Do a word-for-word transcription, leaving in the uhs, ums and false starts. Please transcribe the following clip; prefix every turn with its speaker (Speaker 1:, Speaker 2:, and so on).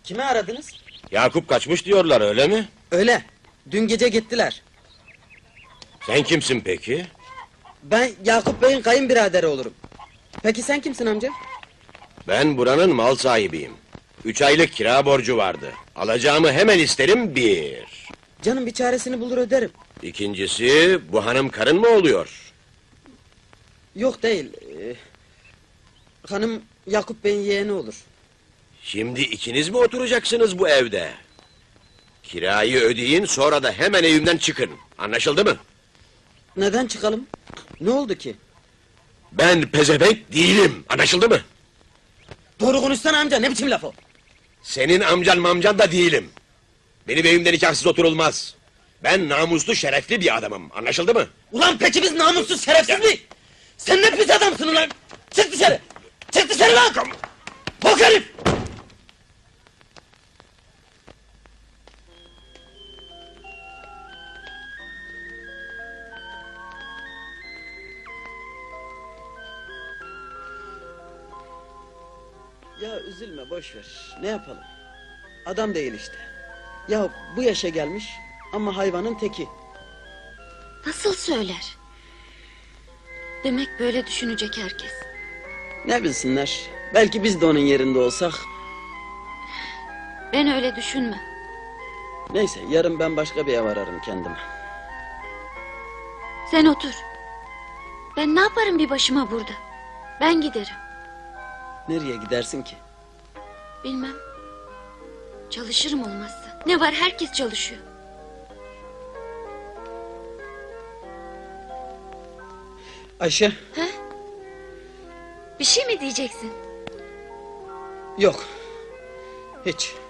Speaker 1: Kimi aradınız?
Speaker 2: Yakup kaçmış diyorlar, öyle mi?
Speaker 1: Öyle. Dün gece gittiler.
Speaker 2: Sen kimsin peki?
Speaker 1: Ben Yakup Bey'in kayınbiraderi olurum. Peki sen kimsin amca?
Speaker 2: Ben buranın mal sahibiyim. Üç aylık kira borcu vardı. Alacağımı hemen isterim, bir.
Speaker 1: Canım bir çaresini bulur öderim.
Speaker 2: İkincisi, bu hanım karın mı oluyor?
Speaker 1: Yok değil. Ee, hanım Yakup Bey'in yeğeni olur.
Speaker 2: Şimdi ikiniz mi oturacaksınız bu evde? Kirayı ödeyin, sonra da hemen evimden çıkın. Anlaşıldı mı?
Speaker 1: Neden çıkalım? Ne oldu ki?
Speaker 2: Ben pezevenk değilim. Anlaşıldı mı?
Speaker 1: Doğru konuşsana amca, ne biçim laf o?
Speaker 2: Senin amcan mamcan da değilim. Benim evimde nikahsız oturulmaz. Ben namuslu, şerefli bir adamım. Anlaşıldı mı?
Speaker 1: Ulan peki biz namussuz, şerefsiz mi? Sen ne pis adamsın ulan! Çık dışarı! Çık dışarı lan! Bok herif! Ya üzülme, boş ver. Ne yapalım? Adam değil işte. Ya bu yaşa gelmiş ama hayvanın teki.
Speaker 3: Nasıl söyler? Demek böyle düşünecek herkes.
Speaker 1: Ne bilsinler? Belki biz de onun yerinde olsak.
Speaker 3: Ben öyle düşünmem.
Speaker 1: Neyse, yarın ben başka bir ev ararım kendime.
Speaker 3: Sen otur. Ben ne yaparım bir başıma burada? Ben giderim.
Speaker 1: Nereye gidersin ki?
Speaker 3: Bilmem. Çalışırım olmazsa. Ne var, herkes çalışıyor.
Speaker 1: Ayşe.
Speaker 3: Ha? Bir şey mi diyeceksin?
Speaker 1: Yok. Hiç.